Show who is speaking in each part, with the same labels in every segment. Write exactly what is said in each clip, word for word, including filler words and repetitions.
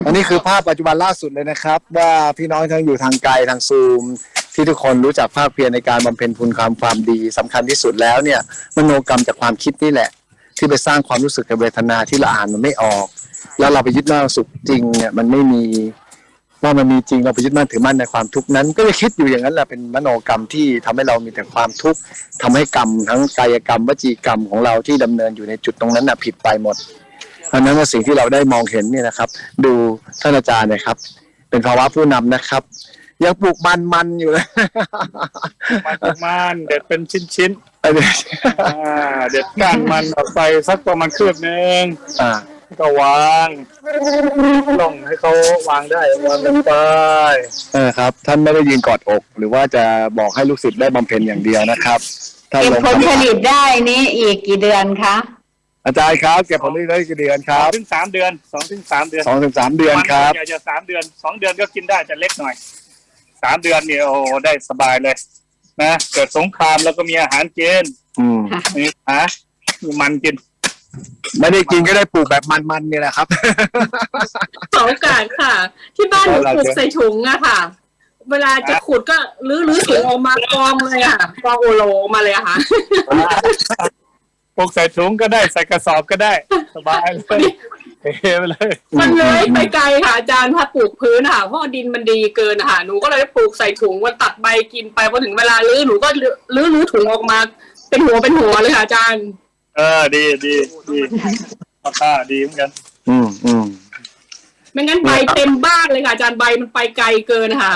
Speaker 1: อันนี้คือภาพปัจจุบันล่าสุดเลยนะครับว่าพี่น้องทั้งอยู่ทางไกลทางซูมที่ทุกคนรู้จักภาคเพียรในการบำเพ็ญคุณความความดีสำคัญที่สุดแล้วเนี่ยมโนกรรมจากความคิดนี่แหละที่ไปสร้างความรู้สึกกับเวทนาที่เราอ่านมันไม่ออกแล้วเราไปยึดมั่นสุขจริงเนี่ยมันไม่มีว่ามันมีจริงเราไปยึดมั่นถือมั่นในความทุกข์นั้นก็จะคิดอยู่อย่างนั้นแหละเป็นมโนกรรมที่ทำให้เรามีแต่ความทุกข์ทำให้กรรมทั้งกายกรรมวจีกรรมของเราที่ดำเนินอยู่ในจุดตรงนั้นน่ะผิดไปหมดเพราะนั้นว่าสิ่งที่เราได้มองเห็นเนี่ยนะครับดูท่านอาจารย์นะครับเป็นภาวะผู้นำนะครับยังปลูกมันมันอยู่เลย
Speaker 2: มันมันเด็ดเป็นชิ้นชิ้นเด็ดก้านมันออกไปสักประมาณคืบนึงก็วางลงให้เขาวางได้วางลงไป
Speaker 1: เออครับท่านไม่ได้ยืนกอดอกหรือว่าจะบอกให้ลูกศิษย์ได้บำเพ็ญอย่างเดียวนะครับ
Speaker 3: เก็บผลผลิตได้นี้อีกกี่เดือนคะ
Speaker 1: อาจารย์ครับเก็บผลผลิตได้กี่เดือนครับ
Speaker 2: สองถึงสามเดือนสองถึงสามเดือน
Speaker 1: สองถึงสามเดือนครับ
Speaker 2: อยากจะสามเดือนสองเดือนก็กินได้จะเล็กหน่อยสามเดือนเนี่ยโอ้ได้สบายเลยนะเกิดสงครามแล้วก็มีอาหารกิน
Speaker 1: อืม
Speaker 2: นี่ฮะมีมันกิน
Speaker 1: ไม่ได้กินก็ได้ปลูกแบบมันๆนี่แหละครับ
Speaker 4: ขอโอกาสค่ะที่บ้านหนูปลูกใส่ถุงอะค่ะเวลาจะขุดก็ลื้อลื้อถุงออกมากองเลยอะกองโอโลมาเลยอะค่ะ
Speaker 2: ปลูกใส่ถุงก็ได้ใส่กระสอบก็ได้สบายเลยเฮ้ไปเลย
Speaker 4: มันเลยไปไกลค่ะอาจารย์ถ้าปลูกพื้นค่ะเพราะดินมันดีเกินค่ะหนูก็เลยปลูกใส่ถุงวันตัดใบกินไปพอถึงเวลาลื้อหนูก็ลื้อลื้อถุงออกมาเป็นหัวเป็นหัวเลยค่ะอาจารย์
Speaker 2: เออดีดีดีราคาดีเหมือนกัน
Speaker 1: อืมอืม
Speaker 4: ไม่งั้นใบเต็มบ้านเลยค่ะอาจารย์ใบมันไปไกลเกินค่ะ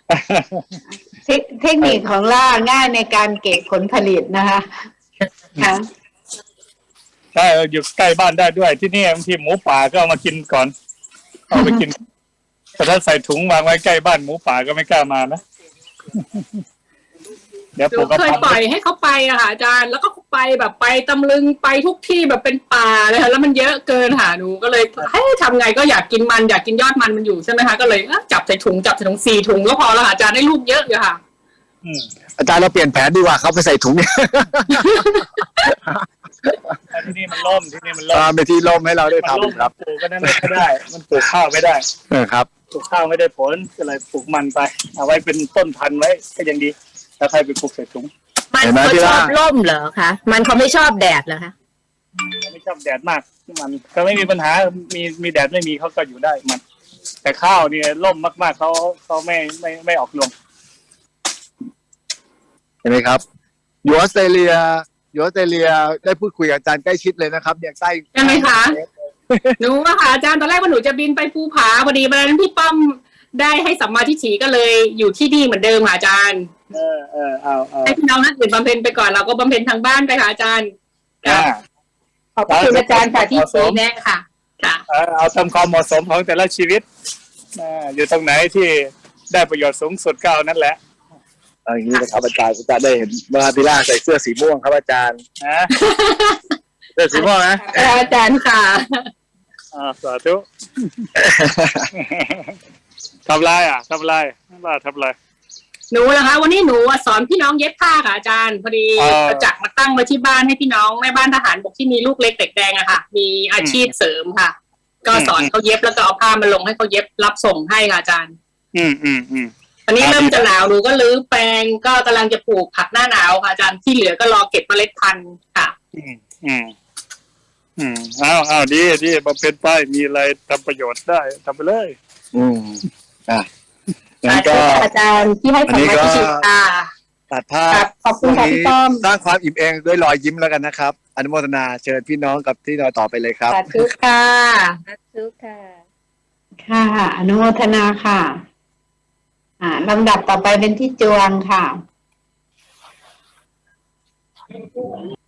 Speaker 3: เทคนิคของล่าง่ายในการเก็บผลผลิตนะคะค่ะ
Speaker 2: ใช่อยู่ใกล้บ้านได้ด้วยที่นี่บางทีหมูป่าก็เอามากินก่อนเอาไปกินแต่ถ้าใส่ถุงวางไว้ใกล้บ้านหมูป่าก็ไม่กล้ามานะ
Speaker 4: เดี๋ยวผมเคยปล่อยให้เขาไปอะค่ะอาจารย์แล้วก็ไปแบบไปตำลึงไปทุกที่แบบเป็นป่าเลยค่ะแล้วมันเยอะเกินค่ะหนูก็เลยให้ทำไงก็อยากกินมันอยากกินยอดมันมันอยู่ใช่ไหมคะก็เลยจับใส่ถุงจับใส่ถุงสี่ถุงก็พอแล้วค่ะอาจารย์ได้ลูกเยอะอยู่ค่ะ
Speaker 1: อาจารย์เราเปลี่ยนแผนดีกว่าเขาไปใส่ถุงเนี่ย
Speaker 2: ที่นี่มันล่มที่นี่มันล่ม
Speaker 1: ไปที่ล่มให้เราได้ทำครับ
Speaker 2: ปลูกก็ไม่ได้มันปลูกข้าวไม่ได้
Speaker 1: เออครับ
Speaker 2: ปลูกข้าวไม่ได้ผลก็เลยปลูกมันไปเอาไว้เป็นต้นพันธุ์ไว้ก็ยังดีถ้าใครไปปลูกใส่ถุง
Speaker 3: มันเขาชอบร่มเหรอคะมันเขาไม่ชอบแดดเหรอคะ
Speaker 2: ไม่ชอบแดดมากมันก็ไม่มีปัญหามีมีแดดไม่มีเขาก็อยู่ได้มันแต่ข้าวเนี่ยร่มมากๆเขาเขาไม่ไม่ไม่ออกรวง
Speaker 1: เห็นไหมครับอยู่ออสเตรเลียอยู่ออสเตรเลียได้พูดคุยกับอาจารย์ใกล้ชิดเลยนะครับเนี่ยใกล้
Speaker 4: ใช่ไหมคะหนูว่าค่ะอาจารย์ตอนแรกว่าหนูจะบินไปภูผาพอดีวันนั้นพี่ป้อมได้ให้สัมมาทิฏฐิก็เลยอยู่ที่นี่เหมือนเดิมค่ะอาจารย์
Speaker 2: เออเออเอาเอา
Speaker 4: ให้พี่น้องท่านอื่นบำเพ็ญไปก่อนเราก็บำเพ็ญทางบ้านไปค่ะอาจารย์
Speaker 3: ขอบคุณอาจารย์ค่ะที่ชี้แนะค่ะ
Speaker 4: ค่ะ
Speaker 2: เอาทำความเหมาะสมของแต่ละชีวิตอยู่ตรงไหนที่ได้ประโยชน์สูงสุดก็เอานั่นแหละ
Speaker 1: อย่างนี้นะครับอาจารย์จะได้เห็นเมื่อพิล่าใส่เสื้อสีม่วงครับอาจารย์เสื้อสีม่วงนะ
Speaker 4: อาจารย์ค่ะ
Speaker 2: อ่าสาธุทำไรอ่ะทำไรว่าทำไร
Speaker 4: หนูนะคะวันนี้หนูสอนพี่น้องเย็บผ้าค่ะอาจารย์พอดีประจักษ์มาตั้งไว้ที่บ้านให้พี่น้องแม่บ้านทหารบกที่มีลูกเล็กเด็กแดงอะค่ะมีอาชีพเสริมค่ะก็สอนเขาเย็บแล้วก็เอาผ้ามาลงให้เขาเย็บรับส่งให้ค่ะอาจารย์
Speaker 2: อืมอืมอืม
Speaker 4: ตอนนี้เริ่มจะหนาวหนูก็รื้อแปลงก็กำลังจะปลูกผักหน้าหนาวค่ะอาจารย์ที่เหลือก็รอเก็บเมล็ดพันธุ์ค่ะ
Speaker 2: อืมอืมอืมอ้าวอ้าวดีดีมาเป็นไปมีอะไรทำประโยชน์ได้ทำไปเลย
Speaker 1: อืมอ่ะ
Speaker 3: งั้นก็อาจารย์ที่ให้คำแนะนำค่ะ
Speaker 1: ตัดภาพ
Speaker 3: ขอบคุณค่ะพี่ต้อม
Speaker 1: สร้างความอิ่มเองด้วยรอยยิ้มแล้วกันนะครับอนุโมทนาเชิญพี่น้องกับที่เราต่อไปเลยครับ
Speaker 3: สาธุค่ะสาธุค่ะค่ะอนุโมทนาค่ะอ่าลำดับต่อไปเป็นที่จวงค่ะ